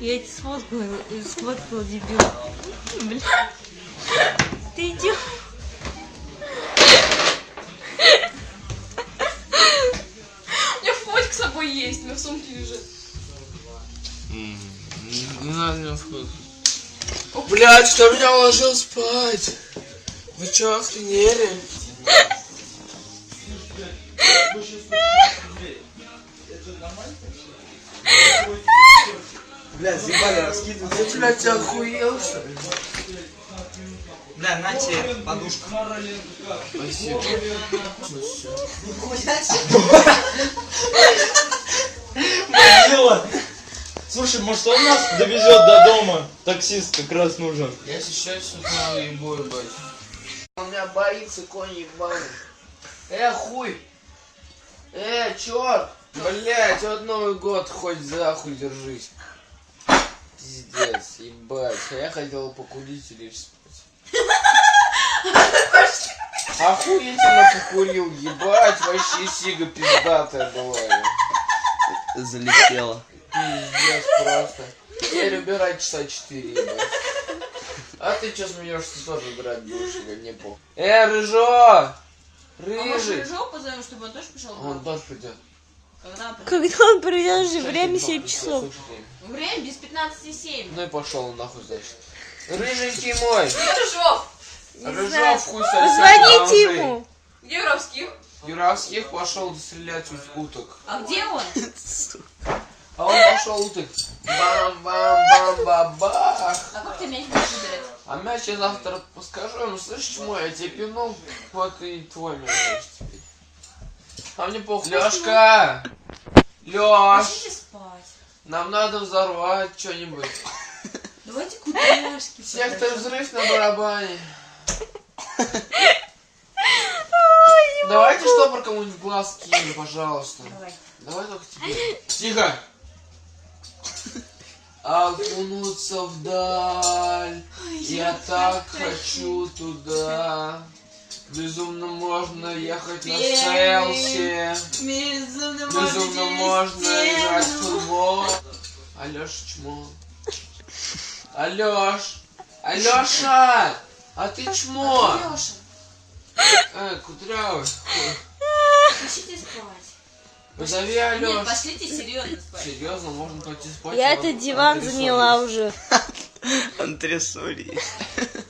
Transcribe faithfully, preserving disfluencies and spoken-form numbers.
Я тебя сфоткала, сфоткала, дебил. Бля. Ты идешь. У меня фотик с собой есть, у меня в сумке лежит. Не надо меня входить. Блять, что меня уложил спать? Вы чё, охренели? Бля, заебали раскидывать. Ты, блядь, охуел, что ли? Бля, на тебе подушка. Спасибо. Мазила! Слушай, может он нас довезет до дома? Таксист как раз нужен. Я сейчас сюда ебу, ебать. Он меня боится, конь ебаный. Э, хуй! Э, черт! Блять, вот Новый год, хоть за хуй держись. Пиздец, ебать. А я хотел покурить и лечь спать. Охуительно покурил, ебать, вообще сига пиздатая была. Залетела. Пиздец просто. Теперь убирай часа четыре, ебать. А ты чё смеешься, тоже убирать будешь, или не похуй. Э, Рыжо! А может Рыжий! Рыжова позовем, чтобы он тоже пришел? Он тоже придет. Когда он придет? Когда он придет же, время семь часов. Время без пятнадцати семь. Ну и пошел он нахуй, значит. Рыженький мой! Где Рыжов? Не знаю. Рыжов хуй сосед. Позвоните ему. Где Юровский? Юравских пошел стрелять в уток. А где он? А он пошел уток. Бам-бам-бам-бабах. А как ты мяч будешь выбирать? А мяч я завтра скажу ему, слышишь, мой, я тебе пинул, вот и твой мяч значит, теперь. А мне похуй. Лёшка! Лёш! Пошли спать. Нам надо взорвать что-нибудь. Давайте кудряшки. Сектор взрыв на барабане. Давайте штопор кому-нибудь в глаз кинем, пожалуйста. Давай. Давай только тебе. Тихо! Окунуться вдаль, я так хочу туда. Безумно можно ехать на селфи. Безумно, Безумно можно играть в футбол. Алёша чмо. Алёш! Алёша! А ты чмо! Лёша, Э, кудрявый. пошлите спать. Позови Нет, Алёш. пошлите серьезно спать. Серьезно, можно пойти спать. Я вот этот диван антресоли заняла есть. уже. Антресоли.